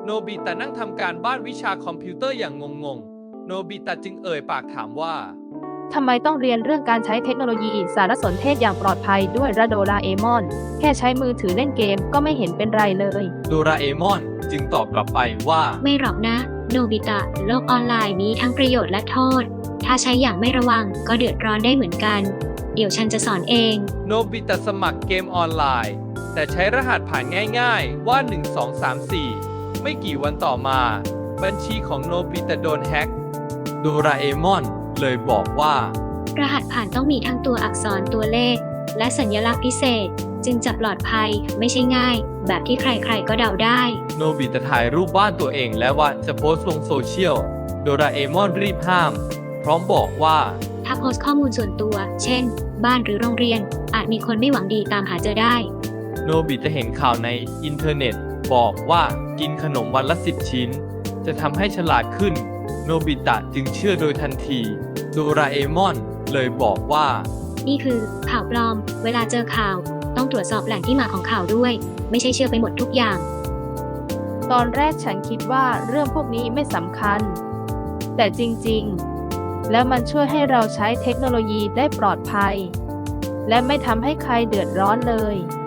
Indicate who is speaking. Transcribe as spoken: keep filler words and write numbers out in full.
Speaker 1: โนบิตะนั่งทำการบ้านวิชาคอมพิวเตอร์อย่างงงๆ โนบิตะจึงเอ่ยปากถามว่า
Speaker 2: ทำไมต้องเรียนเรื่องการใช้เทคโนโลยีสารสนเทศอย่างปลอดภัยด้วยระโดราเอมอน แค่ใช้มือถือเล่นเกมก็ไม่เห็นเป็นไรเลย
Speaker 1: โดราเอมอนจึงตอบกลับไปว่า
Speaker 3: ไม่หรอกนะ โนบิตะ โลกออนไลน์มีทั้งประโยชน์และโทษ ถ้าใช้อย่างไม่ระวังก็เดือดร้อนได้เหมือนกัน เดี๋ยวฉันจะสอนเอง
Speaker 1: โนบิตะสมัครเกมออนไลน์ แต่ใช้รหัสผ่านง่ายๆว่า หนึ่ง สอง สาม สี่ ไม่กี่วันต่อมา บัญชีของโนบิตะโดนแฮ็กโดราเอมอนเลยบอกว่าร
Speaker 3: หัสผ่านต้องมีทั้งตัวอักษรตัวเลข และสัญลักษณ์พิเศษ จึงจะปลอดภัยไม่ใช่ง่าย แบบที่ใครๆก็เดาได้
Speaker 1: โนบิตะถ่ายรูปบ้านตัวเองและว่าจะโพสต์ลงโซเชียลโดราเอมอนรีบห้าม พร้อมบอกว่า
Speaker 3: ถ้าโพสต์ข้อมูลส่วนตัว เช่น บ้านหรือโรงเรียน อาจมีคนไม่หวังดีตามหาเจอได้
Speaker 1: โนบิตะเห็นข่าวในอินเทอร์เน็ต บอกว่ากินขนมวันละสิบชิ้น จะทำให้ฉลาดขึ้น โนบิตะจึงเชื่อโดยทันที โดราเอมอนเลยบอกว่า
Speaker 3: นี่คือข่าวปลอม เวลาเจอข่าว ต้องตรวจสอบแหล่งที่มาของข่าวด้วย ไม่ใช่เชื่อไปหมดทุกอย่าง
Speaker 2: ตอนแรกฉันคิดว่าเรื่องพวกนี้ไม่สำคัญ แต่จริงๆ แล้วมันช่วยให้เราใช้เทคโนโลยีได้ปลอดภัย และไม่ทำให้ใครเดือดร้อนเลย